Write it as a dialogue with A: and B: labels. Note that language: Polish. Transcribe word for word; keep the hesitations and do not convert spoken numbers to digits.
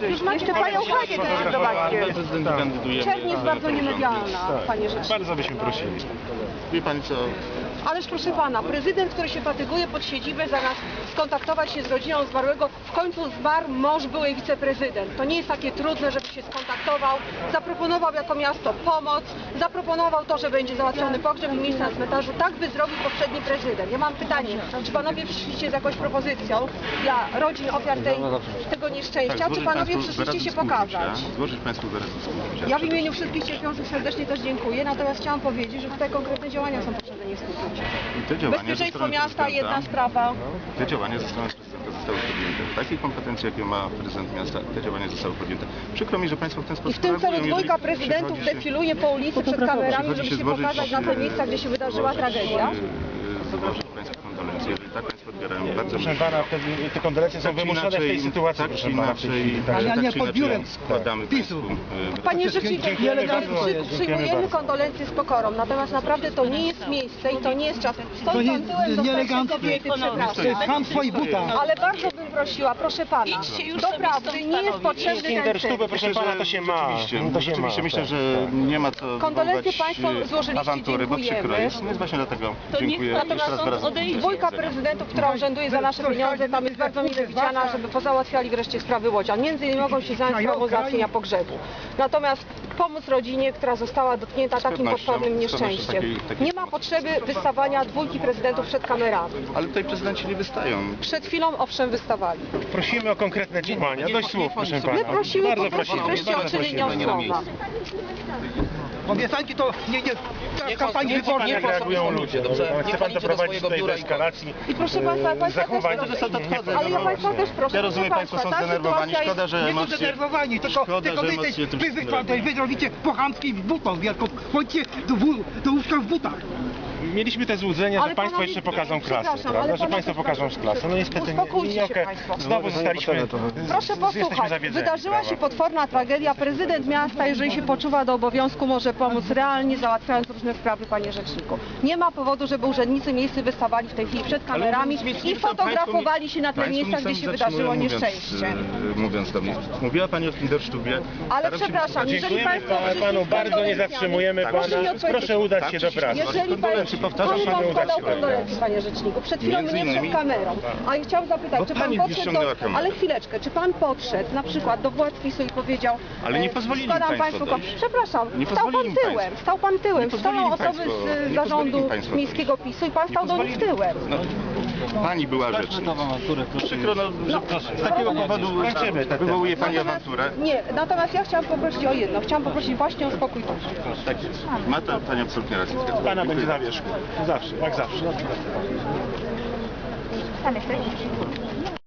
A: Jeszcze panią Hanię też zobaczcie.
B: Prezydent kandyduje.
A: Czerń jest bardzo niemedialna, panie rzeczniku.
B: Bardzo byśmy prosili. Wie pani co?
A: Ależ proszę pana, prezydent, który się fatyguje pod siedzibę zamiast skontaktować się z rodziną zmarłego, w końcu zmarł mąż byłej wiceprezydent. To nie jest takie trudne, żeby się skontaktował, zaproponował jako miasto pomoc, zaproponował to, że będzie załatwiony pogrzeb i miejsce na cmentarzu. Tak by zrobił poprzedni prezydent. Ja mam pytanie, czy panowie przyszliście z jakąś propozycją dla rodzin ofiar tej, tego nieszczęścia, czy panowie przyszliście się pokazać?
B: Złożyć państwu wyraz współczucia.
A: Ja w imieniu wszystkich cierpiących serdecznie też dziękuję, natomiast chciałam powiedzieć, że tutaj konkretne działania są potrzebne, nie współczucie.
B: I te działania
A: Bezpieczeństwo miasta, jedna sprawa.
B: Te działania ze strony prezydenta zostały podjęte. W takiej kompetencji, jakie ma prezydent miasta, te działania zostały podjęte. Przykro mi, że państwo w ten
A: I
B: sposób
A: w tym celu
B: reagują,
A: dwójka
B: jeżeli
A: prezydentów
B: przychodzi się-
A: defiluje po ulicy przed kamerami,
B: przychodzi
A: żeby
B: się
A: się
B: złożyć,
A: pokazać na te
B: e,
A: miejsca, gdzie się wydarzyła tragedia.
B: e, Złożyć państwu kondolencje. Jeżeli tak państwo odbierają, bardzo
C: Proszę pana, te, te kondolencje są
B: tak czy
C: wymuszone w tej
B: inaczej-
C: sytuacji,
B: tak
C: proszę
B: czy
C: pana, w tej
B: inaczej,
C: chwili.
B: tak,
C: Także
D: ja
B: tak
D: nie
B: czy inaczej
D: podbiłem
B: składamy
D: PiSu.
B: państwu, e,
A: Panie Rzeczniku,
C: Dziękujemy bardzo.
A: przy-
C: Dziękujemy
A: przyjmujemy
C: bardzo.
A: kondolencje z pokorą, natomiast naprawdę to nie jest miejsce i to nie jest czas.
D: To
A: Stoi
D: nie-
A: pan tyłem do starszej
D: nieeleganckie.
A: kobiety,
D: To
A: przepraszam.
D: jest ham w swoich butach.
A: Ale bardzo bym prosiła, proszę pana, doprawdy nie jest potrzebny ten
C: Kinderstube,
A: cyrk.
C: proszę
B: Myślę,
C: pana,
B: że
C: to się ma.
B: rzeczywiście,
C: To się
B: rzeczywiście
C: ma,
B: myślę,
C: tak,
B: że
C: tak.
B: nie ma co
A: Kondolencje
B: wywoływać,
A: państwo
B: e,
A: złożyliście,
B: awantury, bo przykro
A: dziękujemy.
B: jest. Więc właśnie dlatego dziękuję
E: niech pan
B: jeszcze raz wyrazy
E: odejdzie.
A: Dwójka prezydentów, która urzęduje za nasze pieniądze, tam jest bardzo mile widziana, żeby pozałatwiali wreszcie sprawy Łodzian. Między innymi mogą się zająć sprawą załatwienia pogrzebu. Natomiast pomóc rodzinie, która została dotknięta takim
B: pewnością,
A: potwornym
B: z pewnością
A: nieszczęściem.
B: takiej- takiej
A: Nie ma
B: pomocy
A: potrzeby
B: będzie.
A: wystawania dwójki prezydentów przed kamerami.
B: Ale tutaj prezydenci nie wystają.
A: Przed chwilą owszem wystawali.
C: Prosimy o konkretne działania. Dość słów, proszę pana.
A: My prosimy
C: Bardzo
A: po prostu
C: prosimy.
A: wreszcie o
C: Bardzo
A: czyny
C: prosimy.
A: nieostrowa.
D: Obiecanki to nie, nie, ta kampanii
C: Niech pan,
D: wyborczej.
C: jak reagują ludzie, dobrze? Chce pan doprowadzić tutaj do eskalacji
A: I proszę państwa, państwo
C: zachowań.
A: też,
B: To odchodzę.
A: ale ja państwa też proszę,
B: Ja rozumiem,
A: proszę
B: państwo są
A: ta
B: zdenerwowani.
A: sytuacja
B: Szkoda, że
D: Nie to
B: emocje...
D: zdenerwowani, tylko,
B: Szkoda,
D: tylko
B: że
D: wy,
B: emocje tym
D: wy,
B: wszystkim
D: wy, wy, wy robicie po chamskiej w butach wielką. Chodźcie do, wó- do łóżka w butach.
C: Mieliśmy te złudzenia,
A: Ale
C: że państwo
A: panowie-
C: jeszcze pokażą klasę,
A: przepraszam,
C: prawda?
A: ale
C: Że państwo
A: panowie-
C: pokażą klasę. No niestety nie,
A: Uspokójcie
C: nie,
A: się
C: nie
A: państwo.
C: Znowu zostaliśmy...
A: Proszę
C: z- jesteśmy
A: posłuchać,
C: zawiedzeni,
A: wydarzyła się
C: prawda?
A: potworna tragedia. Prezydent miasta, jeżeli się poczuwa do obowiązku, może pomóc realnie, załatwiając różne sprawy, panie rzeczniku. Nie ma powodu, żeby urzędnicy miejscy wystawali w tej chwili przed kamerami i fotografowali się na tych
B: Państwo
A: miejscach,
B: mi
A: gdzie się
B: sami
A: wydarzyło
B: zatrzymują,
A: nieszczęście.
B: Mówiąc, e, mówiąc do mnie. Mówiła pani o Kinderstubie.
A: Ale
B: Staram się
A: przepraszam, jeżeli
C: Dziękujemy
A: państwo
C: pa-
A: przyszli
C: panu
A: z
C: bardzo, nie
A: kondolencjami,
C: zatrzymujemy
A: proszę mi
C: pana.
A: odpowiedzieć.
C: Proszę udać się do
B: Tak,
C: pracy.
A: Jeżeli
B: Kondolencje,
A: pan,
B: powtarzam,
A: pan
B: panu
A: wam składał
B: udać się.
A: kondolencje, panie rzeczniku. Przed chwilą
B: Między
A: mnie przed
B: innymi-
A: kamerą. A ja chciałam zapytać,
B: Bo
A: czy pan
B: pani
A: podszedł
B: ściągnęła
A: do...
B: kamerę.
A: Ale chwileczkę, czy pan podszedł na przykład do władz PiSu i powiedział...
B: Ale nie
A: e,
B: pozwolili
A: składam
B: państwo
A: państwu...
B: dojść.
A: Przepraszam,
B: Nie
A: stał pan
B: pozwolili
A: tyłem,
B: państwo.
A: stał pan tyłem.
B: Nie
A: Stoją
B: pozwolili
A: osoby
B: państwo.
A: z
B: Nie
A: zarządu
B: pozwolili państwo
A: miejskiego
B: dojść.
A: PiSu i pan
B: Nie
A: stał do nich
B: pozwolili.
A: tyłem.
B: No, pani była rzecznik. Przykro, no, że z takiego powodu
C: Kończymy ten
B: wywołuje pani
A: Natomiast-
B: awanturę.
A: Nie, natomiast ja chciałam poprosić o jedno. Chciałam poprosić właśnie o spokój duszy.
B: Tak jest. Ma to pani absolutnie rację.
C: Pana będzie na wierzchu. Zawsze, jak zawsze.
A: Pan jesteś?